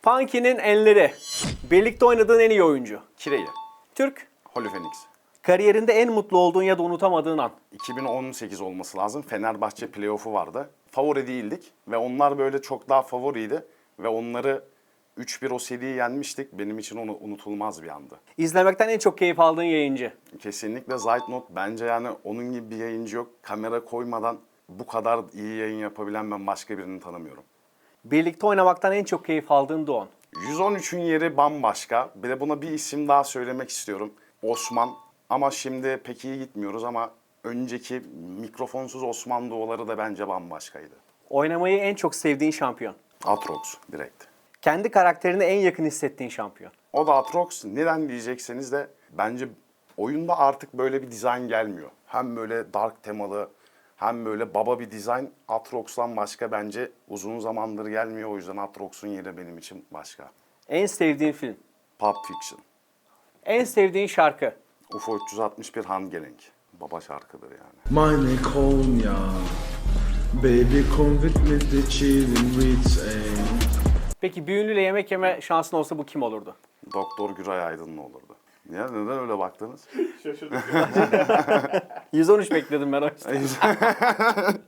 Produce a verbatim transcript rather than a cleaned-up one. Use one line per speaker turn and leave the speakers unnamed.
Punky'nin enleri. Birlikte oynadığın en iyi oyuncu.
Kireyi.
Türk.
Holy Phoenix.
Kariyerinde en mutlu olduğun ya da unutamadığın an.
iki bin on sekiz olması lazım. Fenerbahçe playoff'u vardı. Favori değildik ve onlar böyle çok daha favoriydi. Ve onları üç bir o seriyi yenmiştik. Benim için onu unutulmaz bir andı.
İzlemekten en çok keyif aldığın yayıncı.
Kesinlikle Zeitnot. Bence yani onun gibi bir yayıncı yok. Kamera koymadan bu kadar iyi yayın yapabilen ben başka birini tanımıyorum.
Birlikte oynamaktan en çok keyif aldığın Doğan.
yüz on üçün yeri bambaşka. Bir de buna bir isim daha söylemek istiyorum. Osman. Ama şimdi pek iyi gitmiyoruz ama önceki mikrofonsuz Osman Doğuları da bence bambaşkaydı.
Oynamayı en çok sevdiğin şampiyon.
Atrox direkt.
Kendi karakterine en yakın hissettiğin şampiyon.
O da Atrox. Neden diyecekseniz de bence oyunda artık böyle bir dizayn gelmiyor. Hem böyle dark temalı hem böyle baba bir dizayn. Atrox'tan başka bence uzun zamandır gelmiyor. O yüzden Atrox'un yeri benim için başka.
En sevdiğin film.
Pulp Fiction.
En sevdiğin şarkı.
U F O üç yüz altmış bir Handgelenk. Baba şarkıdır yani.
Meine Konya, baby come with me to chillin' with a.
Peki bir ünlüyle yemek yeme şansın olsa bu kim olurdu?
Doktor Güray Aydın'la olurdu. Ya neden öyle baktınız?
yüz on üç bekledim ben o yüzden.